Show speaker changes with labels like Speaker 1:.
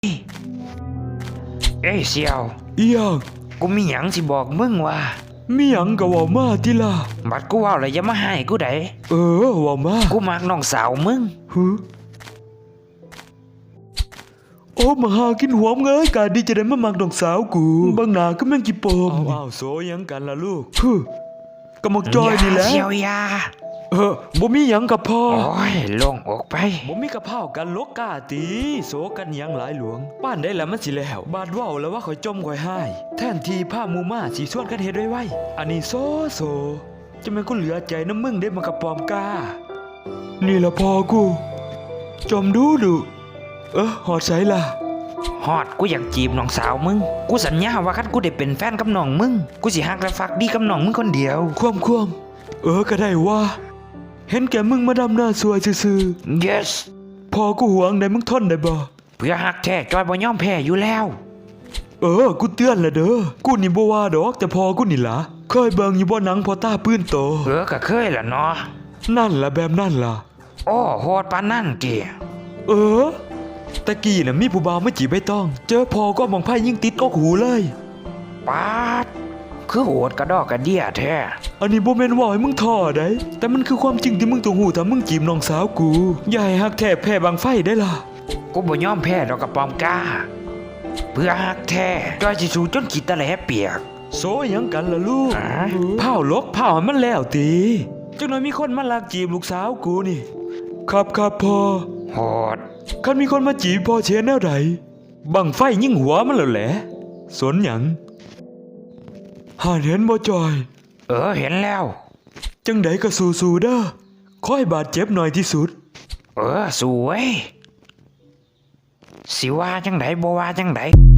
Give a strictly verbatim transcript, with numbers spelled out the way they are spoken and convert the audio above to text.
Speaker 1: เอ้ยเสี่ยว
Speaker 2: อีหยัง
Speaker 1: กูมีหยังสิบอกมึงว่า
Speaker 2: มีหยังก็เว้ามาติล่ะ
Speaker 1: บัดกูเว้าแล้วอย่ามาให้กูได้
Speaker 2: เออเว้ามา
Speaker 1: กูมักน้องสาวมึง
Speaker 2: ฮึโอ้มาหากินหัวมึงเอ้ยกาดีจะได้มามักน้องสาวกูบางหนาก็แม่งกี่ปมอ้าวโสยังกันล่ะลูกฮึก็มักจอยนี่แหละ
Speaker 1: เสี่ยวยา
Speaker 2: เออบ่มีหยังกับพ่อ
Speaker 1: โอ้ยลงออกไป
Speaker 2: บ่มีกับพ่อกันลกกาตีโสกันหยังหลายหลวงป้านได้แล้วมันสิแล้วบาดเว้าแล้วว่าข่อยจมข่อยหายแทนที่ผ้ามูมาสิส่วนกันเฮ็ดไว้ๆอันนี้โซโซจะแม่นกูเหลือใจน้ำมึงได้มากับปอมกานี่ละพ่อกูจมดูดูเออหอดใสล่ะ
Speaker 1: ฮอดกูอยากจีบน้องสาวมึงกูสัญญาว่าคันกูได้เป็นแฟนกับน้องมึงกูสิฮักและฟักดีกับน้องมึงคนเดียว
Speaker 2: ความความเออก็ได้ว่าเห็นแกมึงมาดำหน้าสวยซื่อ
Speaker 1: ๆ yes
Speaker 2: พอกูหวงได้มึงทนได้บ่
Speaker 1: เพื่อฮักแท้จอยบ่ยอมแพ้อยู่แล้ว
Speaker 2: เออกูเตือนละเด้อกูนี่บ่ว่าดอกแต่พอกูนี่ล่ะเคยเบิ่งอยู่บ่หนังพอตาปื้นโต
Speaker 1: เออก็เคยล่ะเนาะ
Speaker 2: นั่นล่ะแบบนั่นล่ะ
Speaker 1: โอ้โหดปานนั่นติ
Speaker 2: เออตะกี้น่ะมีผู้บ่าวมาจีบใบตองเจอพอก็มองไพ่ยิ่งติดก็หูเลย
Speaker 1: ปาดคือโหดกระดอกกระเดี่ยแท้
Speaker 2: อันนี้บ่แม่นว่าให้มึงท่อได้แต่มันคือความจริงที่มึงต้องหูถ้ามึงจีบน้องสาวกูอย่าให้ฮักแท้แพ้บางไฟได้ล่ะ
Speaker 1: กูบ่ยอมแพ้ดอกกระปอมกาเพื่อฮักแท้จอยสิสู้จนขี้ตะแหลเปียก
Speaker 2: โซหยังกันล่ะลูกเผาลกเผาให้มันแล้วติจังหน่อยมีคนมาลักจีบลูกสาวกูนี่ครับครับพ่อ
Speaker 1: โหด
Speaker 2: คันมีคนมาจีบพ่อเชียร์แนวใดบังไฟยิ่งหัวมันแล้วแหละสนหยังหาเห็นบ่จอย
Speaker 1: เออเห็นแล้ว
Speaker 2: จังใดก็สู้ๆเด้อขอให้บาดเจ็บหน่อยที่สุด
Speaker 1: เออสวยสิว่าจังใดบ่ว่าจังใด